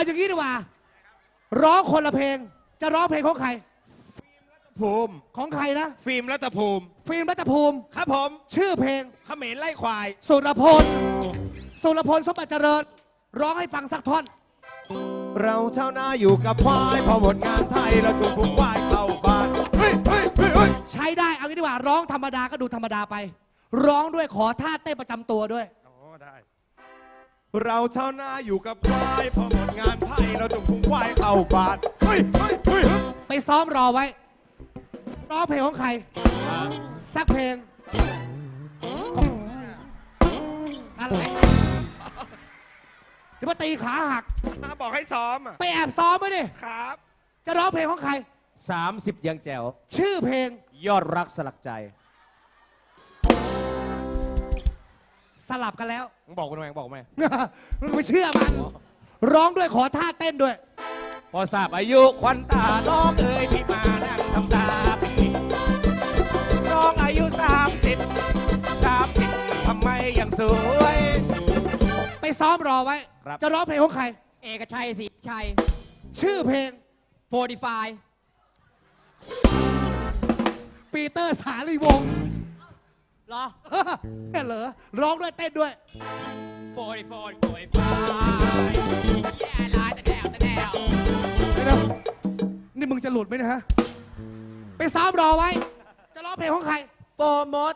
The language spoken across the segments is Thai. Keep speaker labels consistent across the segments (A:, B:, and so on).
A: เอาอย่างนี้ดีกว่าร้องคนละเพลงจะร้องเพลงของใคร
B: ภูมิ
A: ของใครนะ
B: ฟิล์มรัตภูมิ
A: ฟิล์มรัตภูมิ
B: ครับผม
A: ชื่อเพลง
B: เขมรไล่ควาย
A: สุรพลสมบัติเจริญร้องให้ฟังสักท่อน
B: เราเท่านาอยู่กับควายพอหมดงานไทยเราถูกฝูงควายเข้าบ้าน
A: ใช้ได้เอางี้ดีกว่าร้องธรรมดาก็ดูธรรมดาไปร้องด้วยขอท่าเต้นประจำตัวด้วย
B: ได้เราเท่านาอยู่กับควายพอหมดงานไทยเราถูกฝูงควายเข้าบ้าน
A: ไปซ้อมรอไว้ร้องเพลงของใครสักเพลงอะไรจะมาตีขาหัก
B: บอกให้ซ้อม
A: ไปแอบซ้อมไว้ดิ
B: ครับ
A: จะร้องเพลงของใคร
C: 30ยังแจ๋ว
A: ชื่อเพลง
C: ยอดรักสลักใจ
A: สลับกันแล้ว
C: บอกกูทำไมบอกไหม
A: ไม่เชื่อมันร้องด้วยขอท่าเต้นด้วย
C: พอทราบอายุควันตาน้องเอ๋ยพี่มานั่งทำตาปีน้องอายุ30ทำไมยังสวย
A: ไปซ้อมรอไว้จะร้องเพลงของใคร
D: เอกชัยศรีชัย
A: ชื่อเพลง
D: 45
A: ปีเตอร์สาลีวงศ์
D: เหรอ
A: เหรอร้องด้วยเต้นด้วย
D: 45แย่ลายแต่แนว
A: นี่มึงจะหลุดไหมนะฮะไปซ้อมรอไว้จะร้องเพลงของใคร
D: โฟมด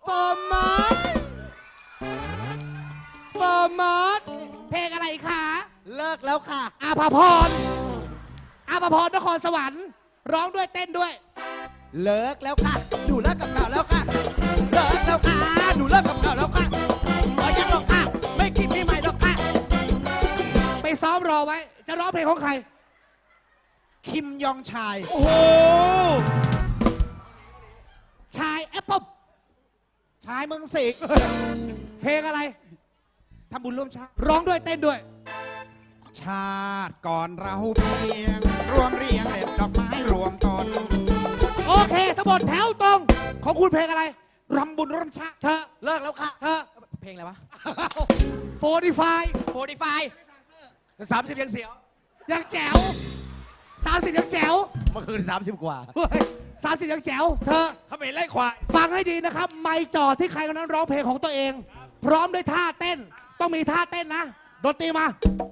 A: เพลงอะไรคะ
D: เลิกแล้วค่ะ
A: อาภพรนครสวรรค์ร้องด้วยเต้นด้วย
D: เลิกแล้วค่ะหนูเลิกกับเก่าแล้วค่ะเลิกแล้วค่ะหนูเลิกกับเก่าแล้วค่ะยังหรอกค่ะไม่คิดไม่ใหม่หรอกค่ะ
A: ไปซ้อมรอไว้จะร้องเพลงของใคร
D: คิมยองชาย
A: โอ้โหชายแอปเปิ้ล
D: ชายเมืองสิงห์
A: เพลงอะไร
D: ทำบุญร่วมชาติ
A: ร้องด้วยเต้นด้วย
D: ชาติก่อนเราเพียงรวมเรียงเด็ดดอกไม้รวมตน
A: โอเคทั้งหมดแถวตรงของคุณเพลงอะไร
D: รำบุญร่วมชาติ
A: เธอ
D: เลิกแล้วค่ะ
A: เธอ
D: เพลงอะไรวะ
A: 45
C: 30ยังเสียว
A: ยังแจ๋ว30ยังแจ๋ว
C: เมื่อคืน30กว่า
A: 30ยังแจ๋วเธอ
B: เขมรไล่ควาย
A: ฟังให้ดีนะครับไม่จอดที่ใครคนนั้นร้องเพลงของตัวเองพร้อมด้วยท่าเต้นต้องมีท่าเต้นนะดนตรีมา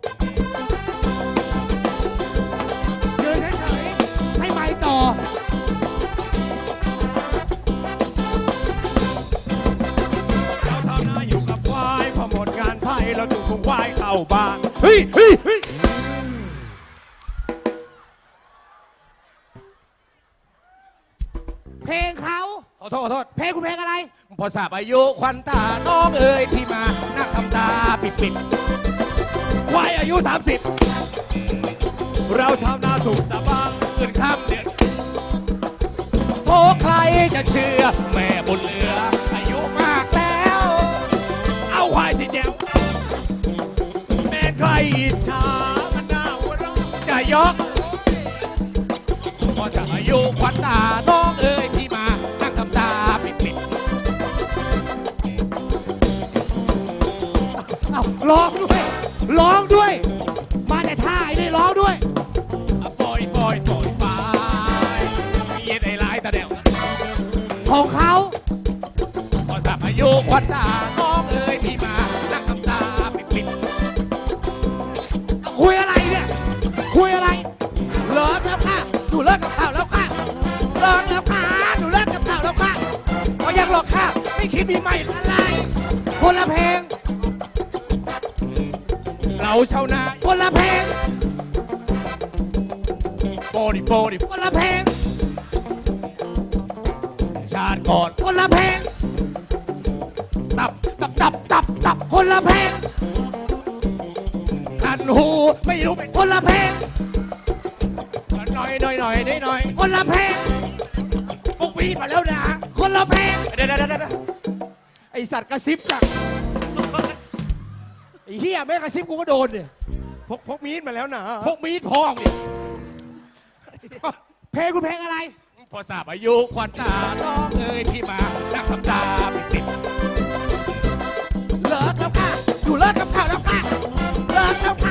A: ยืนเฉยๆให้ไม่จอ
B: เราเท่านาอยู่กับควายพอหมดงานไทยเราถูกฝูงควายเข้าบ้าน
A: เพลงเขา
C: ขอโทษ
A: เพลงคุณเพลงอะไร
C: พอทราบอายุควันตาน้องเอ๋ยพี่มานั่งทำตาปิด
B: ควายอายุ30เราชาวนาถูกสะบังเงินข้ามเดือน
C: โทษใครจะเชื่อแม่บุญเหลืออายุมากแล้ว
B: เอาควายที่แจ๋วแม่ใครอิจฉามันน่าหัวเราะ
C: จะยกพอทราบอายุควันตาน้องเอ๋ยพี่มานั่งทำตาปิด
A: ร้องด้วยมาแต่ท่าไอ้นี่ร้องด้วย
C: ปล่อยเย็นไอ้ร้ายตาเดียว
A: ของเขา
C: พอทราบอายุควันตาน้องเอ๋ยพี่มานั่งทำตาปิด
A: คุยอะไรเนี่ยคุยอะไร
D: เลิกแล้วค่ะหนูเลิกกับเก่าแล้วค่ะเลิกแล้วค่ะหนูเลิกกับเก่าแล้วค่ะ
C: ยังหรอกค่ะไม่คิดมีใหม่
A: อะไรคนละเพลง
C: เราชาวนา
A: คนละเพลง
C: โปดิ
A: คนละเพลง
C: ชาติก่อน
A: คนละเพลง
C: ตับ
A: คนละเพลง
C: คันหูไม่รู้เป็น
A: คนละเพลง
C: หน่อย
A: คนละเพลง
C: พวกวีดมาแล้วนะ
A: คนละเพลง
C: เดี๋ยวไอสัตว์กระซิบจังไอ้เหี้ยแม่กระซิบกูก็โดนเนี่ย
B: พกมีดมาแล้วนะ
C: พกมีดพองเนี่ย
A: เพลงคุณเพลงอะไร
C: พอทราบอายุควันตาน้องเอ๋ยพี่มานั่งทำตาปิด
D: เลิกแล้วค่ะหนูเลิกกับเก่าแล้วค่ะเลิกแล้วค่ะ